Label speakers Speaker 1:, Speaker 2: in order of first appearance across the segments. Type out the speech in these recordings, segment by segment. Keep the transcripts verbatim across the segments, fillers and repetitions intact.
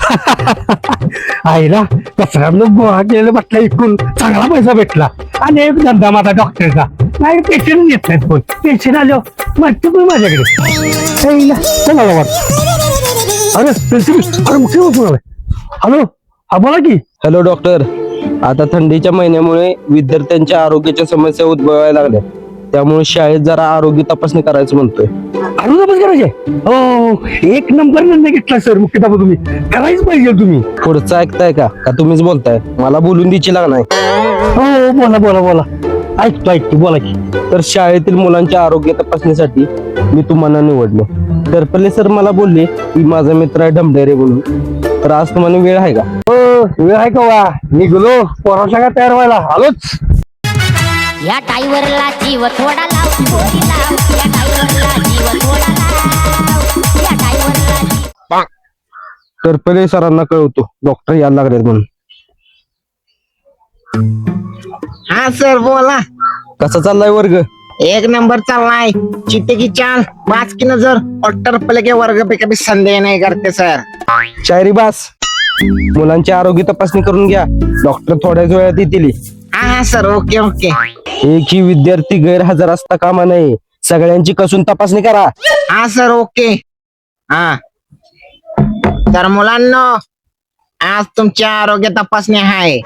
Speaker 1: आईला कचऱ्यातलं गोळा केलेलं बसला इकून चांगला पैसा भेटला आणि एक धंदा माझा डॉक्टरचा नाही पेशंट येत नाहीत कोण पेशंट आलो माहिती पण माझ्याकडे आईला चला वाट अरे प्रिन्सिपल अरे मुख्य हॅलो हा बोला की.
Speaker 2: हॅलो डॉक्टर, आता थंडीच्या महिन्यामुळे विद्यार्थ्यांच्या आरोग्याच्या समस्या उद्भवायला लागल्या, त्यामुळे शाळेत जरा आरोग्य तपासणी करायचं म्हणतोय.
Speaker 1: आरोग्य तपास करायचे? हो एक नंबर निर्णय घेतला सर मुख्याध्यापक तुम्ही करायच पाहिजे तुम्ही.
Speaker 2: पुढचं ऐकताय का का तुम्हीच बोलताय? मला बोलून द्यायची नाही.
Speaker 1: हो बोला बोला बोला ऐकतो ऐकतो बोला की.
Speaker 2: तर शाळेतील मुलांच्या आरोग्य तपासणीसाठी मी तुम्हाला निवडलो. टरपले सर मला बोलले की माझा मित्र आहे ढमढेरे म्हणून, तर आज तुम्हाला वेळ आहे का?
Speaker 1: हो वेळ आहे का वा निघलो पोराच्या का तयार व्हायला आलोच.
Speaker 3: या टाईवरला जीव थोडा लाव पोरी लाव, या टाईवरला जीव थोडा लाव, या टाईवरला जीव.
Speaker 2: टरपले सरांना कळवतो डॉक्टर यायला लागलेत म्हणून.
Speaker 4: हा सर बोला.
Speaker 2: कसा चाललाय वर्ग?
Speaker 4: एक नंबर चाललाय. चिट्टे की चाल पाच की नजर और टरपले के वर्ग पे कभी संदेह नहीं करते सर.
Speaker 2: शायरी बास. मुलांची आरोग्य तपासणी करून घ्या, डॉक्टर थोड्याच वेळात येतील.
Speaker 4: हा हा सर ओके ओके.
Speaker 2: एकही विद्यार्थी गैरहजर असता कामा नये, सगळ्यांची कसून तपासणी करा.
Speaker 4: हा सर ओके. हा तर मुलांना आज तुमची आरोग्य तपासणी आहे.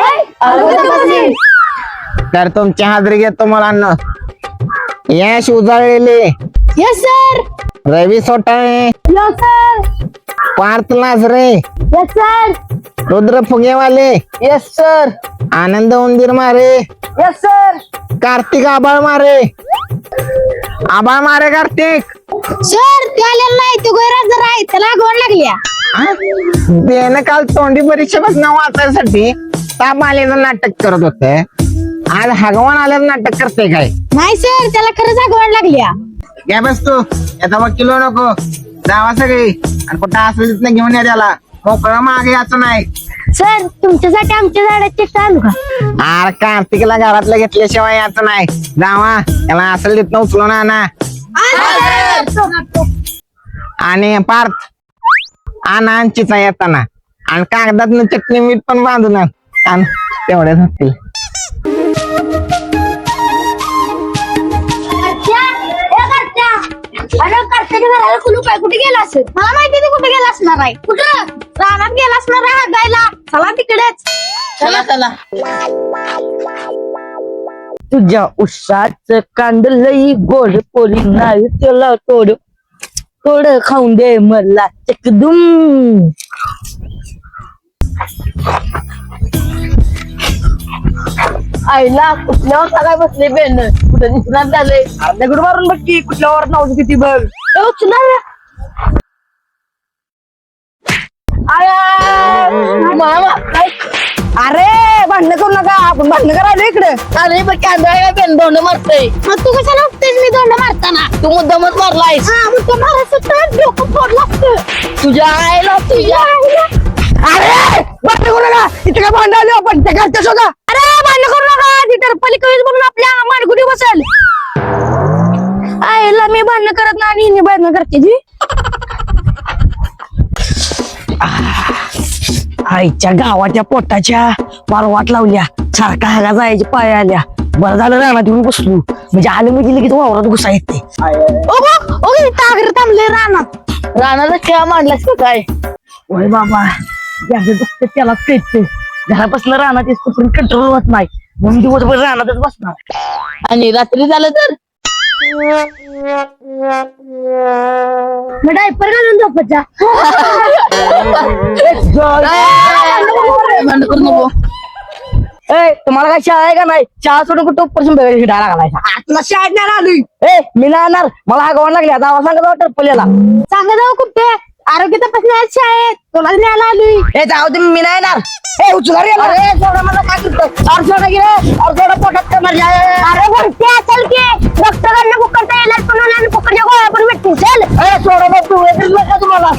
Speaker 4: तर तुमची हाजरी घेतो मुलांना. यश उजळलेले,
Speaker 3: यस सर.
Speaker 4: रवी सोटाळे,
Speaker 3: यस सर.
Speaker 4: पार्थ लाजरे,
Speaker 3: यस सर.
Speaker 4: रुद्र फुगेवाले,
Speaker 3: यस सर.
Speaker 4: आनंद उंदीर मारे,
Speaker 3: यस सर.
Speaker 4: कार्तिक आबाळ मारे. आबाळ मारे कार्तिक.
Speaker 3: सर ते आलेला नाही, तो गैरहजर आहे, त्याला गोड लागल्या.
Speaker 4: त्यानं काल तोंडी परीक्षेपासून वाचायसाठी ताप आलेलं नाटक करत होते, आज हगवान आलेलं नाटक करते काय?
Speaker 3: नाही सर त्याला खरंच आगवण लागल्या.
Speaker 4: घ्या बस तू आता मग किलो नको जावा सगळी आणि कुठं असेल तिथनं घेऊन या त्याला. मोकळं मागे याचं नाही.
Speaker 3: सर तुमच्यासाठी आमच्या झाडाची आणू का?
Speaker 4: अरे कार्तिकला घरातलं घेतल्याशिवाय याचं नाही. जावा त्याला असेल तिथनं उचलून आणा. आणि पार्थ आणा चिचा येताना आणि कागदात चटणी मीठ पण बांधून आण, तेवढ्याच होतील.
Speaker 3: कुठे गेला असेल? मला माहिती नाही कुठे गेला असणार आहे. कुठं रानात गेला असणार आहे हागायला. चला तिकडेच. चला चला.
Speaker 5: तुझ्या उसाच कांड लई गोड पोरी नाही त्याला तोड तोड खाऊन दे मला चकदुम. आईला कुठल्यावर सगळ्या बसले बेन कुठे दिसणार झाले. दगड मारून बघ की कुठल्यावर नाव किती बघ. अरे भांडण करू नका, आपण भांडण करायला इकडे. अरे बघ कॅमेरा पेन दोंड मारतोय.
Speaker 3: मग तू कशाला उठतेस मी दोंड मारताना?
Speaker 5: तू मुद्दामच मारलायस.
Speaker 3: हा मग तो मारायचं डोकं फोड लागतं.
Speaker 5: तुझ्या आईला तुझ्या अरे भांडण करू नका, इथे काय भांडण आले आपण त्या घरच्या शोधा.
Speaker 3: अरे भांडण करू नका, ती टरपली कवीच म्हणून आपल्या माडगुडी बसेल. आईला मी भांडण करत नाही आणि हिने भांडण करते जी.
Speaker 5: आईच्या गावाच्या पोटाच्या फार वाट लावल्या, सारखा हागा जायची पाय आल्या. बरं झालं रानात येऊन बसलो, म्हणजे आलं म्हणजे लगेच वावरात घुसा येते.
Speaker 3: तागर थांबले रानात.
Speaker 5: रानाचा खेळा मांडलास का काय? ओय बाबा ज्याचं दुखत त्यालाच कळते. घरापासून रानात येतो पण कंट्रोल होत नाही, म्हणून दिवसभर रानातच बसणार. आणि रात्री झालं तर
Speaker 3: मग डायपर घालून झोपायचा.
Speaker 5: भांडण करू नको. ए तुम्हाला काय शाळा आहे का नाही? शाळा सोडून कुठं उपपर्यंत हिडायला घालायचा.
Speaker 3: आत्मा शाळेत नाही आलोय.
Speaker 5: ए मी नाही आणणार, मला हा गवण लागल्या. दावा सांगा जाऊ टरपल्याला.
Speaker 3: सांगा जाऊ कुठे आरोग्य तपासणी आहे शाळेत, तुला न्यायला आलोय.
Speaker 5: ए जाऊ दे मी नाही येणार. ए उचला रे. अरे सोडा मला काय करतो. अर्धोडा गेले अर्धोडा पोटात कमर जाय.
Speaker 3: अरे वरती असेल की डॉक्टरांना फुकटचा इलाज पण होणार आणि फुकटच्या गोळ्या पण भेटतील. चल.
Speaker 5: ए सोडा बघ तू येतच नका तुम्हाला.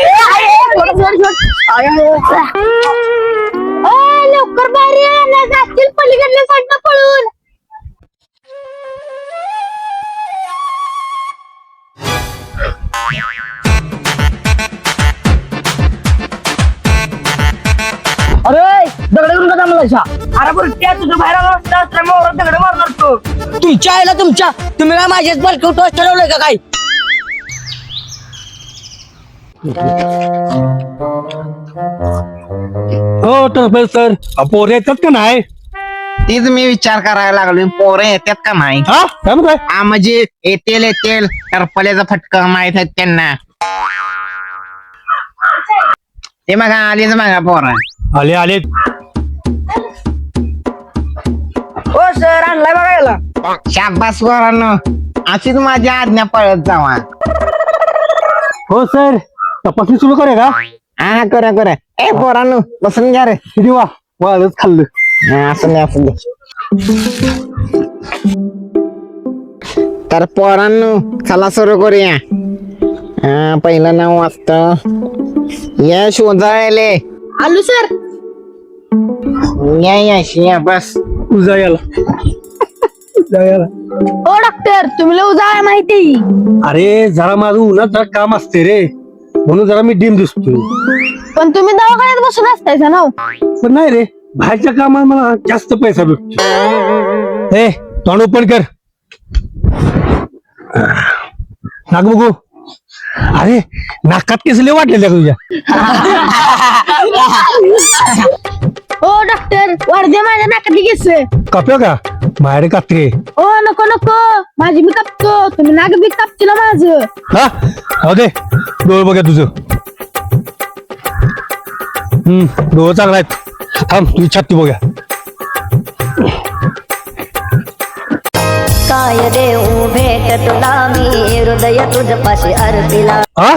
Speaker 3: लवकर बाहेर ये, जातील पलीकडल्या साईडला पळून.
Speaker 5: लागलायसा अरे बरं त्या तुझं बाहेर आला असता असल्यामुळे दगड मारणार तो तुमच्या आईला तुमच्या तुम्ही काय माझ्याच बलकवून टॉस ठरवलंय का काय
Speaker 1: हो तर सर पोर येतात का नाही?
Speaker 4: तीच मी विचार करायला लागलो पोरं येतात का नाही
Speaker 1: हा काय म्हणताय?
Speaker 4: हा म्हणजे येतील येतील टरपल्याचा फटका माहित आहेत त्यांना ते बघा आलीच बघा पोरं
Speaker 1: आले आले.
Speaker 5: हो सर आणलाय बघायला
Speaker 4: शाबास पोरांनो अशीच माझी आज्ञा पळत जावा
Speaker 1: हो सर तपासणी सुरू करे का?
Speaker 4: हा करा करा ए पोरांनो बसून घ्या रे
Speaker 1: किती वा वाळच खाल्लं.
Speaker 4: हा, असं नाही असं दे तर पोरांनो चला सुरू करूया हा पहिलं नाव वाचत या शोधायले
Speaker 5: आलू सर
Speaker 4: या यश या बस
Speaker 1: उजा याला उजा याला.
Speaker 5: हो डॉक्टर तुम्ही उजा माहिती
Speaker 1: अरे जरा माझं उन्हात जरा काम असते रे म्हणून जरा मी डिम दिसतोय.
Speaker 5: पण तुम्ही दवाखान्यात बसून असतायचा ना
Speaker 1: पण नाही रे बाहेरच्या कामात मला जास्त पैसा भेटतो. ए तोंड ओपन कर नाक बघू. अरे नाकात केसले वाटलेल्या तुझ्या.
Speaker 5: हो डॉक्टर वाढदे माझ्या नाकातली केस
Speaker 1: काप्या का माझ्याकडे कात्री आहे.
Speaker 5: हो नको नको माझी मी कापतो तुम्ही नाक बी कापतील माझं
Speaker 1: हा हो दे डोळ बघा तुझं. हम्म डोळ चांगला आहेत. थांब तुझी छाती बघा.
Speaker 3: काय देऊ भेट तुला मी हृदय तुझपाशी अर्पिला
Speaker 1: हा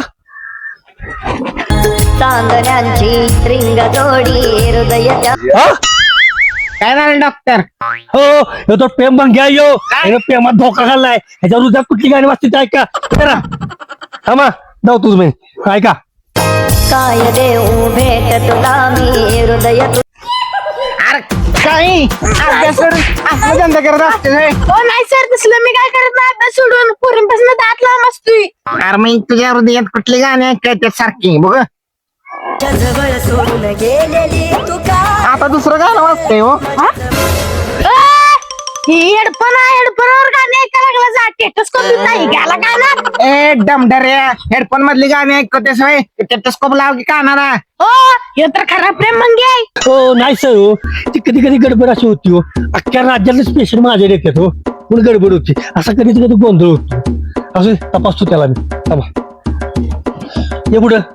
Speaker 3: चांदण्यांची रिंग जोडी हृदय त्या
Speaker 1: हा
Speaker 4: काय झालं डॉक्टर
Speaker 1: हो ह्यो तो प्रेम बंग घ्या यो ह्यानं प्रेमात धोका घाललाय. ह्याच्यावर उद्या कुठली गाणी वाजते ऐका करा थांबा जाऊ तुझ मी ऐका.
Speaker 3: काय देऊ भेट तुला मी हृदय तु
Speaker 4: अरे काही अभ्यास सोडून असं धंदा करत असते होय.
Speaker 5: हो नाही सर तसलं मी काय करत नाही अभ्यास सोडून पोरींपासून दात लांब असतोय
Speaker 4: अरे मग तुझ्या हृदयात कुठली गाणी ऐकतात सारखी बघ
Speaker 3: जवळ सोडून गेलेली तू का
Speaker 4: आता दुसरं गाणं वाजतंय हो
Speaker 5: ही हेडफोन आहे हेडफोनवर गाणे ऐकायला लागला जा टेटस्कोप नाही घ्यायला काय ना
Speaker 4: ए डमडऱ्या हेडफोन मधली गाणी ऐकतेस होय टेटस्कोप लाव की कानाला
Speaker 5: हो हे तर खरा प्रेम मंगे आहे
Speaker 1: हो नाही सर हो ती कधी कधी गडबड अशी होती हो अख्ख्या राज्यातले स्पेशल माझे येतात हो म्हणून गडबड होती असा कधी कधी गोंधळ होतो असं तपासतो त्याला मी थांबा ये पुढं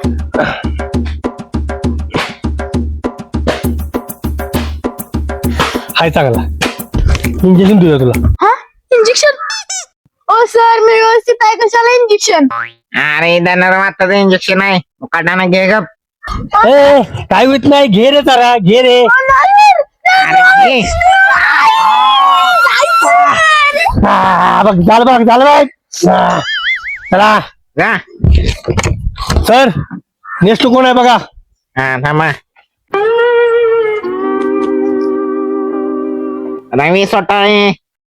Speaker 1: हाय चांगला इंजेक्शन देऊया तुला
Speaker 5: हा इंजेक्शन ओ सर मी व्यवस्थित आहे कशाला इंजेक्शन
Speaker 4: अरे दनर माताचं इंजेक्शन आहे काढाना घे गप
Speaker 1: ए काय होत नाही घे रे जरा घे रे
Speaker 4: अरे घे.
Speaker 1: हा, बघ झालं बघ झालं बघ हा, चला
Speaker 4: जा
Speaker 1: सर नेक्स्ट कोण आहे बघा.
Speaker 4: हा थांबा रवी सोटाळे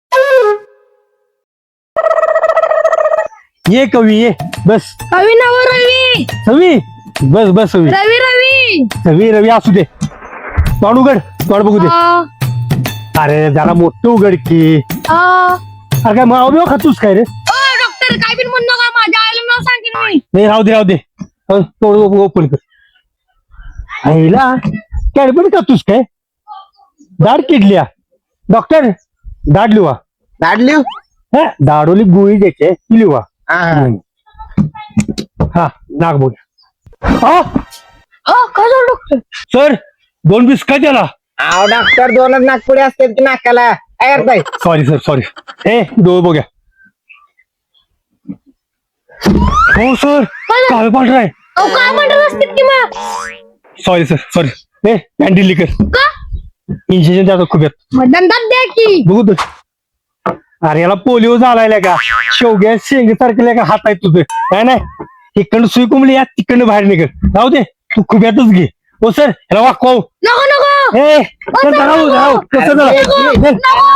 Speaker 1: ये कवी ये बस
Speaker 5: रवी नाव रवी
Speaker 1: सवी बस बस सवी
Speaker 5: रवी रवी
Speaker 1: सवी रवी असू दे तोंड उघड तोंड बघू दे. अरे जरा मोठं उघड की अरे काय माव बिव खातोस काय रे
Speaker 5: डॉक्टर काय बिन म्हणू नका माझ्या आईला नाव सांगेन मी
Speaker 1: नाही राहू दे राहू दे हो, तोंड ओपन कर आईला कॅडबड खातोस काय दाढ किडल्या डॉक्टर दाढ लिवा
Speaker 4: दाडली
Speaker 1: हा दाढोली गोळी द्यायचे ती लिवा हा नाक बोल हा
Speaker 5: हो काय झालं डॉक्टर
Speaker 1: सर दोन बिस्का त्याला
Speaker 4: अहो डॉक्टर दोनच नागपुडी असतात की नाकाला काय करताय
Speaker 1: सॉरी सर सॉरी ए डोळ बघ्या हो सर काळ पांढरा आहे
Speaker 5: अहो काय म्हणत असतील की मग
Speaker 1: सॉरी सर सॉरी ए कॅन्टीन लिकर
Speaker 5: का
Speaker 1: इंजेक्शन द्या खूप येत
Speaker 5: मग दंडात द्या की
Speaker 1: बघू तर अरे याला पोलिओ झालाय का शेवग्या शेंगे सारखे का हात आहेत तुझे काय नाही इकडनं सुई कुंबली या तिकडनं बाहेर निघत राहू दे तू खूप येतच घे हो सर याला वाकव
Speaker 5: नको नको
Speaker 1: ए चल जरा राहू राहू कसं जरा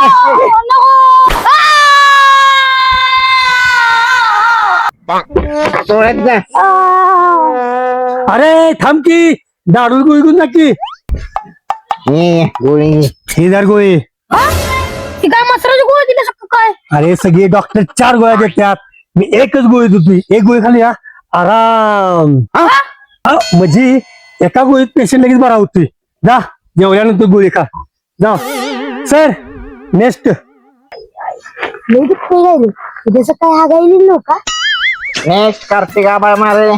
Speaker 4: सोडत जा
Speaker 1: अरे थांब की दारू गुळगुन नक्की
Speaker 4: ये गोळी घे.
Speaker 1: हे जर गोळी
Speaker 5: ती काय मसराची गोळी दिली शकतो काय
Speaker 1: अरे सगळे डॉक्टर चार गोळ्या देतात मी एकच गोळी देतोय एक गोळी खाली या आराम हा? हा, म्हणजे एका गोळीत पेशंट लगेच बरा होतोय जा जेवल्यानंतर गोळी खा जा सर नेक्स्ट
Speaker 5: लई दुखतंय काय रे जसं काय हागायली नव्हता
Speaker 4: नेक्स्ट कार्तिक आबाळ मारे.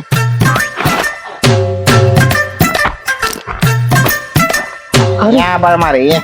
Speaker 4: या आबाळ मारे ये.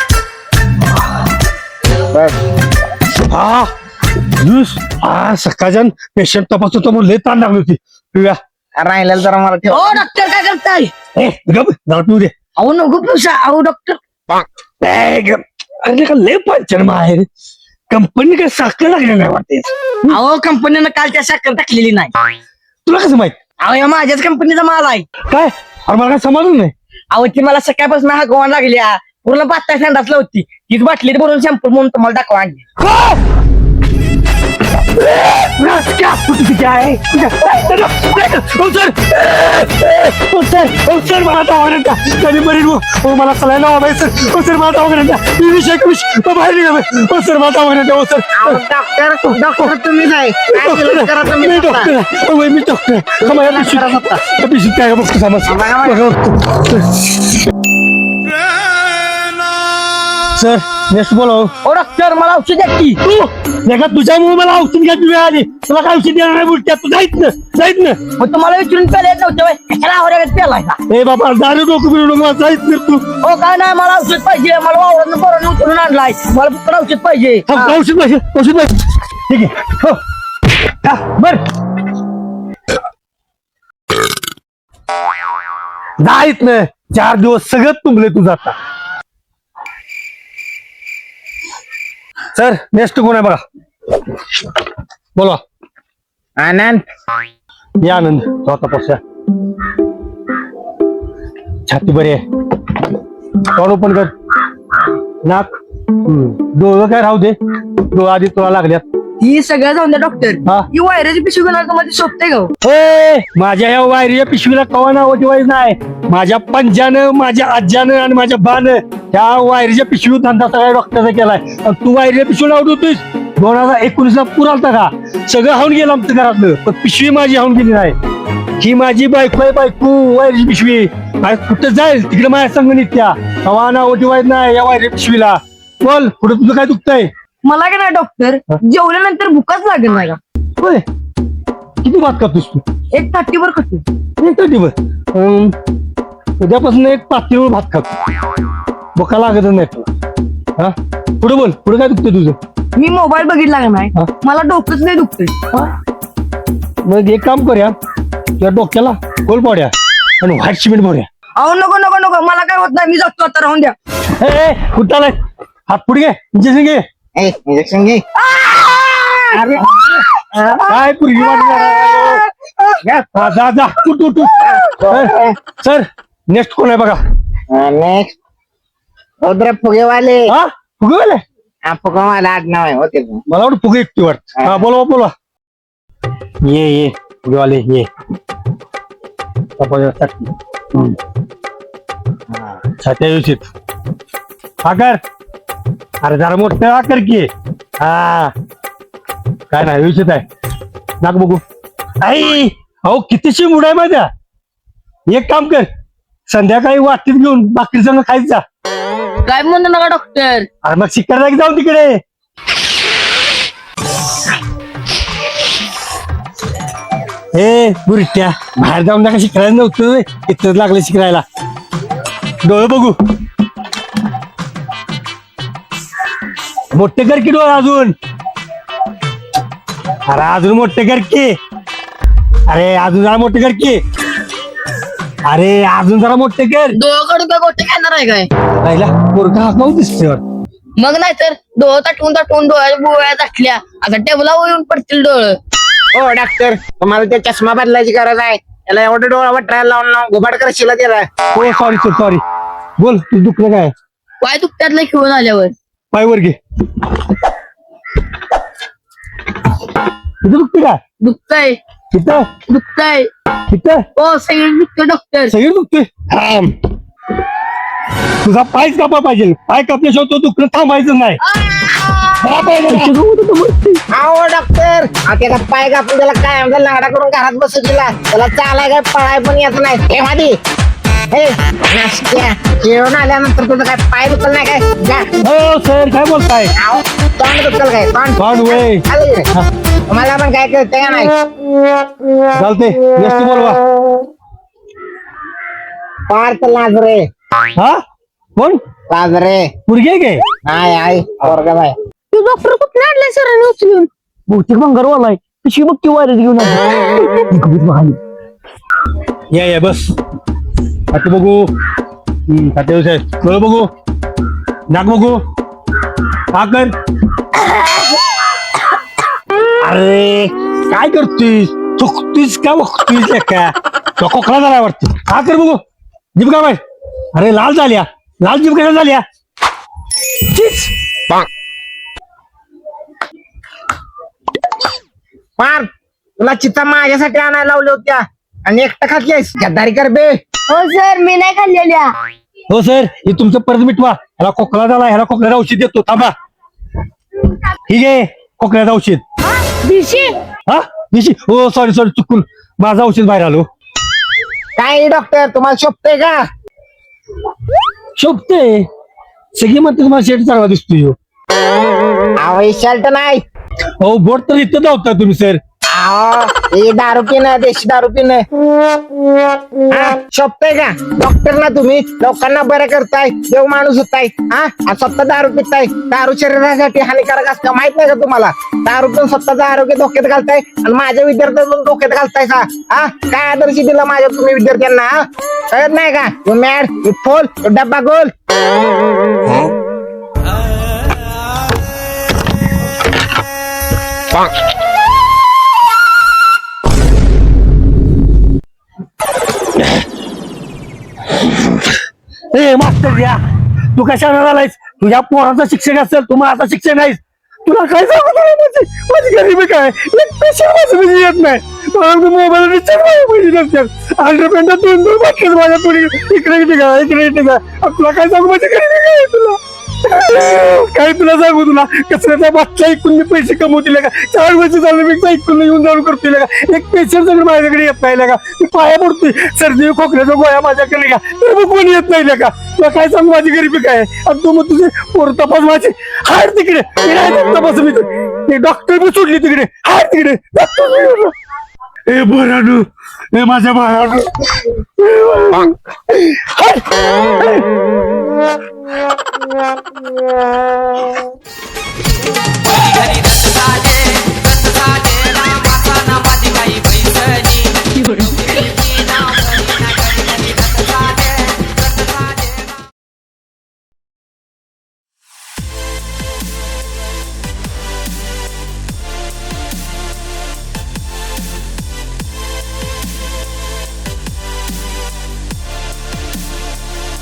Speaker 4: बस
Speaker 1: हा जुस हा सकाळच्या पेशंट तपासतो तो म्हणून लय ताण लागली होती पिऊया
Speaker 4: राहिलेलं जरा मला ठेव.
Speaker 5: ओ डॉक्टर काय करताय
Speaker 1: ए गप जरा पिऊ दे
Speaker 5: अहो नको पिवसा अहो डॉक्टर
Speaker 1: ए, गप. अरे का लय पंचन आहे कंपनी काय साखर लागली नाही वाटते
Speaker 5: अहो कंपनीनं काल त्या साखर टाकलेली नाही
Speaker 1: तुला कसं माहित
Speaker 5: अहो या माझ्याच कंपनीचा माल आहे
Speaker 1: काय अरे मला काय समजलं नाही
Speaker 5: अहो ती मला सकाळपासून हागवान लागल्या पूर्ण पाच संडासला होती तीच बाटलीत भरून शॅम्पू म्हणून तुम्हाला दाखवा आणली
Speaker 1: सर मला दवाखान्यात कधी बरी मला सलाईन वाटायचं सर मला दवाखान्यात वीस एकवीस बाहेर निघा सर मला दवाखान्यात सर
Speaker 4: डॉक्टर डॉक्टर तुम्ही नाही काय केलं करा तुम्ही
Speaker 1: मी
Speaker 4: स्वतः.
Speaker 1: डॉक्टर मी डॉक्टर पिशवीत काय बघतो सर नेक्स्ट बोला
Speaker 5: ओ डॉक्टर मला औषध द्या की
Speaker 1: तू तुझ्यामुळे मला औषध घ्यायची वेळ आली तुला काय औषध देणार नाही बोलते तू जाईत ना जाईत ना
Speaker 5: मग तुम्हाला विचारून प्यायला येत नव्हतं व्हय? कशाला आवरायला प्यायला का
Speaker 1: ए बाबा दारू डोकं बिरू नको मला जाईत ना तू
Speaker 5: हो काय नाही मला औषध पाहिजे मला वावरानं पोरानं उचलून आणलाय मला फक्त औषध पाहिजे
Speaker 1: थांब,
Speaker 5: हा.
Speaker 1: औषध पाहिजे औषध पाहिजे ठीक आहे हो हा, बर जाईत ना चार दिवस सगळं तुंबले तुझं आता सर नेक्स्ट कोण आहे बघा बोला
Speaker 4: आनंद
Speaker 1: ये आनंद स्वतः पक्षा छाती बरी आहे तोंड ओपन कर नाक डोळं काय राहू दे डोळं आधी तुला लागल्यात
Speaker 5: ही सगळं जाऊन द्या डॉक्टर
Speaker 1: हा.
Speaker 5: ही वायराची पिशवी घेणार मध्ये शोधते का हो?
Speaker 1: ए, माझ्या या वायरीच्या पिशवीला कवा नाव ठेवायचं नाही माझ्या पंजानं माझ्या आज्यानं आणि माझ्या बानं त्या वायरीच्या पिशवी धंदा सगळ्या डॉक्टरचा केलाय आणि तू वायरीच्या पिशवी लावत होतीस दोन हजार एकोणीस ला पूर आलता का सगळं हाऊन गेलं आमचं घरातलं पण पिशवी माझी हाऊन गेली नाही ही माझी बायको आहे बायको वायरीची पिशवी आज कुठं जाईल तिकडे माझ्या संघ नित्या कवा नाव ठेवायचं नाही या वायरीच्या पिशवीला बोल कुठं तुझं काय दुखतंय
Speaker 5: मला काय नाही डॉक्टर जेवल्यानंतर भूकच लागेल नाही का
Speaker 1: होय किती भात करतोस तू
Speaker 5: एक ताटीवर खातो
Speaker 1: एक दिवस अं, उद्यापासून एक पातळीवर भात खातो बोका लागत नाही तुला हा पुढे बोल पुढे काय दुखतं तुझं
Speaker 5: मी मोबाईल बघितला का नाही
Speaker 1: हा.
Speaker 5: मला डोकंच नाही दुखतंय
Speaker 1: मग एक काम करूया तुझ्या डोक्याला गोल पाड्या आणि व्हाईट सिमेंट भरूया
Speaker 5: अहो नको नको नको मला काय होत नाही मी जातो आता राहून द्या
Speaker 1: ए, ए कुठं आलाय हात पुढे घे इंजेक्शन घे
Speaker 4: ए इंजेक्शन घे.
Speaker 1: अरे काय पुरगी वाटली जा जा उठ उठ उठ सर नेक्स्ट कोण आहे बघा
Speaker 4: नेक्स्ट रुद्र फुगेवाले.
Speaker 1: हा फुगे वाले
Speaker 4: हा फुगेवाला आडनाव आहे होते.
Speaker 1: मला वाटतं फुगे एकटी वाटत हा बोलवा बोलवा ये ये फुगे वाले ये हम्म. हा, छात्या व्यवस्थित आकार अरे जरा मोठं आकार की हा काय नाही व्यवस्थित आहे नाक बघू आई अहो कितीशी मुड आहे माझ्या एक काम कर संध्याकाळी वाटीत घेऊन भाकरी संग खायचा
Speaker 5: काय म्हणतो नका डॉक्टर
Speaker 1: अरे मग शिकायला की जाऊन तिकडे ए बुरट्या बाहेर जाऊन नका शिकायला नव्हतं इथंच लागलं शिकायला डोळे बघू मोठे कर की डोळे अजून अरे अजून मोठे कर की अरे अजून जरा मोठे कर की अरे अजून जरा मोठे कर
Speaker 5: डोळ्याकडून काय गोष्ट घेणार आहे काय
Speaker 1: राहिला पोरगा हाकाऊ दिसते
Speaker 5: मग नाही तर डोळं ताटवून ताटवून डोळ्या बोळ्या टाकल्या आता टेबलावर येऊन पडतील डोळं
Speaker 4: हो डॉक्टर तुम्हाला ते चष्मा बदलायची गरज आहे त्याला एवढं डोळा वटायला लावून लावून घुबाड करशील त्याला.
Speaker 1: हो सॉरी सर सॉरी बोल तू दुखलं काय
Speaker 5: पाय दुखत्यातलं खेळून आल्यावर
Speaker 1: पायवर घे इथं दुखते का
Speaker 5: दुखतंय
Speaker 1: इथं
Speaker 5: दुखतंय
Speaker 1: इथं
Speaker 5: हो सगळे दुखतंय डॉक्टर
Speaker 1: सगळी दुखते थांब तुझा पायच कापा पाहिजे. पाय कापल्याशिवाय तो दुखणं थांबायचं नाही. हा, पाय कापा.
Speaker 4: अहो डॉक्टर त्याचा पाय कापून त्याला काय आमचा लाडा करून घरात बसू दिला. त्याला चालाय काय पळाय पण येत नाही. हे मादी हे नाश्त्या जेवण आल्यानंतर तुझं काय पाय दुखल नाही काय जा.
Speaker 1: हो सर काय बोलताय?
Speaker 4: अहो, तोंड दुखल काय तोंड
Speaker 1: तोंड वय.
Speaker 4: आलं इकडे. मला पण काय कळतंय का नाही.
Speaker 1: चालते एसटी बोलवा.
Speaker 4: पार्थ लाजरे
Speaker 1: हा कोण?
Speaker 4: लाजरे
Speaker 1: पुरगे गे?
Speaker 4: नाही आई वर्गात आहे.
Speaker 5: तू डॉक्टर कुठे आणलाय सरांनी उचलून? बहुतेक भंगारवाला आहे. कशी बघ ती वारीत घेऊन आली.
Speaker 1: या या बस. खाते बघू. हम्म, खाते साहेब डोळे बघू. नाक बघू. हा कर. अरे काय करतोय? चुकतोयस का बघतोयस का? तो खोकला झाला वाटतं. हा कर बघू. जीभ का बाय? अरे लाल झाल्या. लाल जीभ कशा झाल्या? चीच.
Speaker 4: पार्थ तुला चित्ता माझ्यासाठी आणायला लावल्या होत्या आणि एकटा खातलीस गद्दारी कर बे.
Speaker 5: हो सर मी नाही खाल्लेल्या.
Speaker 1: हो सर हे तुमचं परत मिटवा. ह्याला खोकला झाला. ह्याला खोकल्याचं औषध देतो थांबा. ठीक आहे खोकल्याचं औषध.
Speaker 5: दिशी
Speaker 1: हा दिशी हो सॉरी सॉरी चुकून माझं औषध बाहेर आलो.
Speaker 4: काय डॉक्टर तुम्हाला शोभतंय का?
Speaker 1: शोभते सगळी म्हणते तुम्हाला शेट चांगला दिसतोय ह्यो.
Speaker 4: अहो शर्ट नाही.
Speaker 1: हो बोट तर इथं धावता तुम्ही सर.
Speaker 4: अहो हे दारू पिणं देशी दारू पिणं हा, शोभतंय का? डॉक्टर ना तुम्ही लोकांना बरं करताय. देव माणूस होताय हा आणि स्वतः दारू पिताय. दारू शरीरासाठी हानिकारक असतं माहित नाही का तुम्हाला? दारू पिऊन स्वतःचं आरोग्य धोक्यात घालताय आणि माझ्या विद्यार्थ्यांना धोक्यात घालताय का? हा काय आदर्श दिला माझ्या तुम्ही विद्यार्थ्यांना? हा कळत नाही का? You mad you fool you डब्बा गोल.
Speaker 1: ए मास्तर या तू कशाला आलायस? तुझ्या पोराचा शिक्षक असेल तू माझा शिक्षक नाहीस. तुला काय सांगू तुला माझी माझी गरीबी काय एक पैसे माझं म्हणजे येत नाही. मला मोबाईल रिचार्ज माझ्या पैसे नसतात. हंड्रेड पेंटा दोन दोन बाटल्या माझ्या पुढे इकडे इकडे का इकडे इकडे का. तुला काय सांगू माझी गरीबी काय तुला काय तुला सांगू तुला कचऱ्याचा बाटला ऐकून मी पैसे कमवतील का? चार वर्ष झालं मी ऐकून येऊन जाऊन करतोय का? एक पेशंट सगळं माझ्याकडे येत नाही का? मी पाया पडतोय सर्दी खोकल्याचा गोळ्या माझ्याकडे का तर मग कोणी येत नाही का? तुला काय सांगू माझी गरीबी काय आणि तू मग तुझे पोर तपास माझे हाड तिकडे तपास मी ते डॉक्टर बी सोडली तिकडे हाड तिकडे डॉक्टर. ए बरानू ए माझ्या बाळानू
Speaker 6: घरी रस झाले रस झाले ना माझा ना माझी काही पैसणी